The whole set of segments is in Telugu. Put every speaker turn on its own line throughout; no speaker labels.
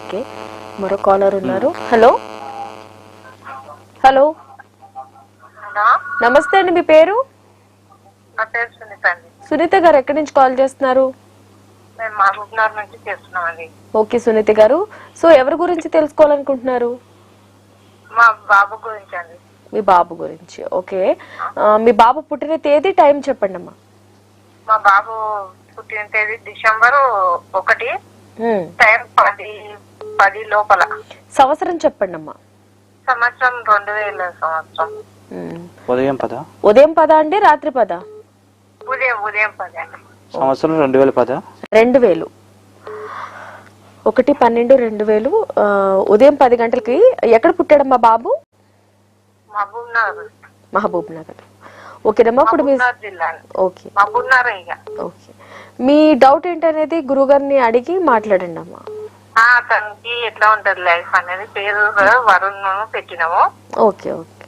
ఓకే, మరో కాలర్ ఉన్నారు. హలో హలో నమస్తే అండి, మీ పేరు? సునీత గారు, ఎక్కడి నుంచి కాల్ చేస్తున్నారు? ఓకే సునీత గారు, సో ఎవరి గురించి తెలుసుకోవాలనుకుంటున్నారు?
మా బాబు గురించి అండి.
మీ బాబు గురించి. ఓకే, మీ బాబు పుట్టిన తేదీ, టైం చెప్పండి అమ్మా.
మా బాబు పుట్టిన తేదీ December 1, టైం 10 లోపల.
సంవత్సరం చెప్పండి అమ్మా.
సంవత్సరం 2000 సంవత్సరం.
ఉదయం 10.
ఉదయం 10 అండి, రాత్రి 10?
ఉదయం 10 అండి.
సంవత్సరం 2010.
2000. 1/12/2000 ఉదయం 10 గంటలకి. ఎక్కడ పుట్టాడమ్మా బాబు? మహబూబ్ నగర్. ఓకేనమ్మా, ఇప్పుడు మీ ఓకే ఓకే, మీ డౌట్ ఏంటనేది గురుగారిని అడిగి మాట్లాడండి అమ్మా.
తనకి ఎట్లా ఉంటది లైఫ్ అనేది, పేరు వరుణ్ పెట్టినాము.
ఓకే ఓకే,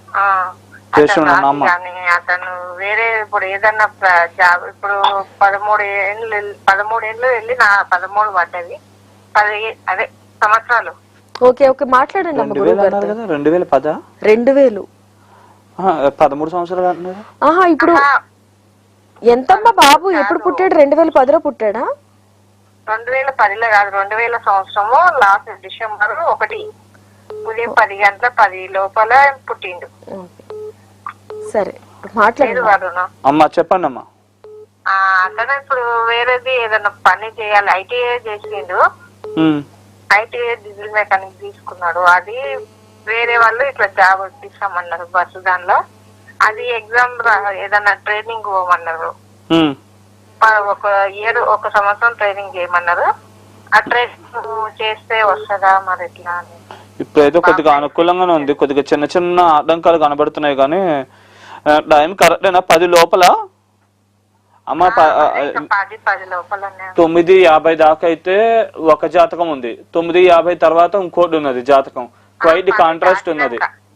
అతను వేరే ఇప్పుడు ఏదన్నా జాబ్, ఇప్పుడు 13 ఏళ్ళు వెళ్ళి నా 13 పడ్డది, 10 అదే సంవత్సరాలు.
ఓకే ఓకే, మాట్లాడండి అమ్మ.
2010.
2000.
13 సంవత్సరాలు అంటున్నారు.
ఇప్పుడు ఎంతమ్మా బాబు? ఎప్పుడు పుట్టాడు? 2010లో పుట్టాడా?
2010లో కాదు, 2000 సంవత్సరము లాస్ట్ December 1 ఉదయం 10 గంటల 10 లోపల పుట్టిండు.
సరే, మాట్లాడు
అమ్మా. చెప్పండి అమ్మా.
అతను ఇప్పుడు వేరేది ఏదైనా పని చేయాలి, ITI చేసిండు. ITI డీజిల్ మెకానిక్ తీసుకున్నాడు. అది వేరే వాళ్ళు ఇట్లా జాబ్ ఇస్తామన్నారు బస్సు దానిలో. అది ఎగ్జామ్ ఏదన్నా ట్రైనింగ్ పోమన్నారు. ఒక సంవత్సరం ట్రైనింగ్ చేయమన్నారు. ఆ ట్రైనింగ్ చేస్తే వస్తుందా మరి ఎట్లా అని.
ఇప్పుడైతే కొద్దిగా అనుకూలంగానే ఉంది, కొద్దిగా చిన్న చిన్న ఆటంకాలు కనబడుతున్నాయి కానీ టైం కరెక్టేనా? 10 లోపల అమ్మ. 9:50 దాకా అయితే ఒక జాతకం ఉంది, 9:50 తర్వాత ఇంకోటి ఉన్నది జాతకం. క్వైట్ కాంట్రాస్ట్ ఉన్నది.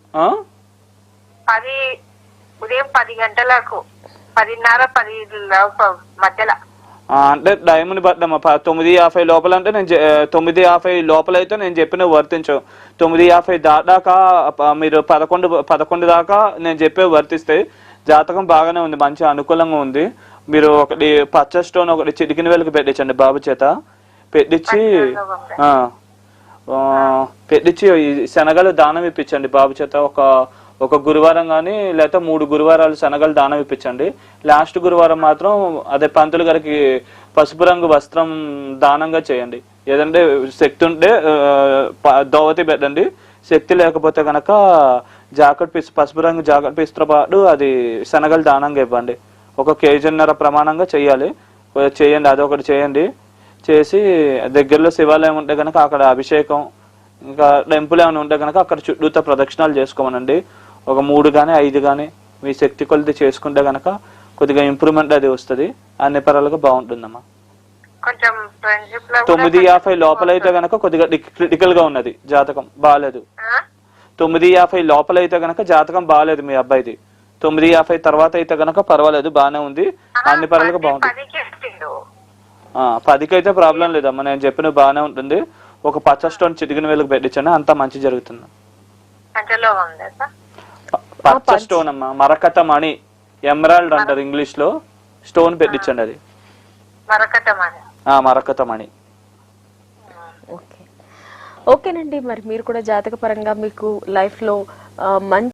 ఉదయం 10 గంటలకు 10:30 మధ్యలో
అంటే టైంని బట్టమ్మా. 9:50 లోపల అంటే నేను 9:50 లోపల అయితే నేను చెప్పిన వర్తించవు. 9:50 దాకా మీరు 11 దాకా నేను చెప్పే వర్తిస్తాయి. జాతకం బాగానే ఉంది, మంచి అనుకూలంగా ఉంది. మీరు ఒకటి పచ్చ స్టోన్ ఒకటి చిటికిన వేలకు పెట్టించండి బాబు చేత. పెట్టించి శనగలు దానం ఇప్పించండి బాబు చేత. ఒక గురువారం కానీ లేకపోతే 3 గురువారాలు శనగలు దానం ఇప్పించండి. లాస్ట్ గురువారం మాత్రం అదే పంతులు గారికి పసుపు రంగు వస్త్రం దానంగా చేయండి. ఏదంటే శక్తి ఉంటే దోవతి పెట్టండి, శక్తి లేకపోతే కనుక పసుపు రంగు జాకెట్ పీస్తో పాటు అది శనగలు దానంగా ఇవ్వండి. 1.5 kg ప్రమాణంగా చేయాలి. చేయండి, అదొకటి చేయండి. చేసి దగ్గరలో శివాలయం ఉంటే కనుక అక్కడ అభిషేకం, ఇంకా టెంపుల్ ఏమైనా ఉంటే కనుక అక్కడ చుట్టూతో ప్రదక్షిణాలు చేసుకోమనండి. ఒక 3 కానీ 5 కానీ మీ శక్తి కొలిది చేసుకుంటే కనుక కొద్దిగా ఇంప్రూవ్మెంట్ అది వస్తుంది. అన్ని పరాలుగా బాగుంటుందమ్మా. 9:50 లోపల అయితే కనుక కొద్దిగా క్రిటికల్ గా ఉన్నది, జాతకం బాగాలేదు. 9:50 లోపల అయితే కనుక జాతకం బాగాలేదు మీ అబ్బాయిది. 9:50 తర్వాత అయితే కనుక పర్వాలేదు, బాగానే ఉంది. అన్ని పరాలుగా బాగుంటుంది. 10కి అయితే ప్రాబ్లం లేదమ్మా, నేను చెప్పిన బాగానే ఉంటుంది. ఒక పచ్చ స్టోన్ చిటికిన వేలకు పెట్టించండి, అంతా మంచి జరుగుతుంది. పచ్చ స్టోన్ అమ్మా, మరకత మణి, ఎమరాల్డ్ అంటారు ఇంగ్లీష్ లో. స్టోన్ పెట్టించండి, అది మరకత మణి.
ఓకేనండి, మరి మీరు కూడా జాతక పరంగా మీకు లైఫ్ లో మంచి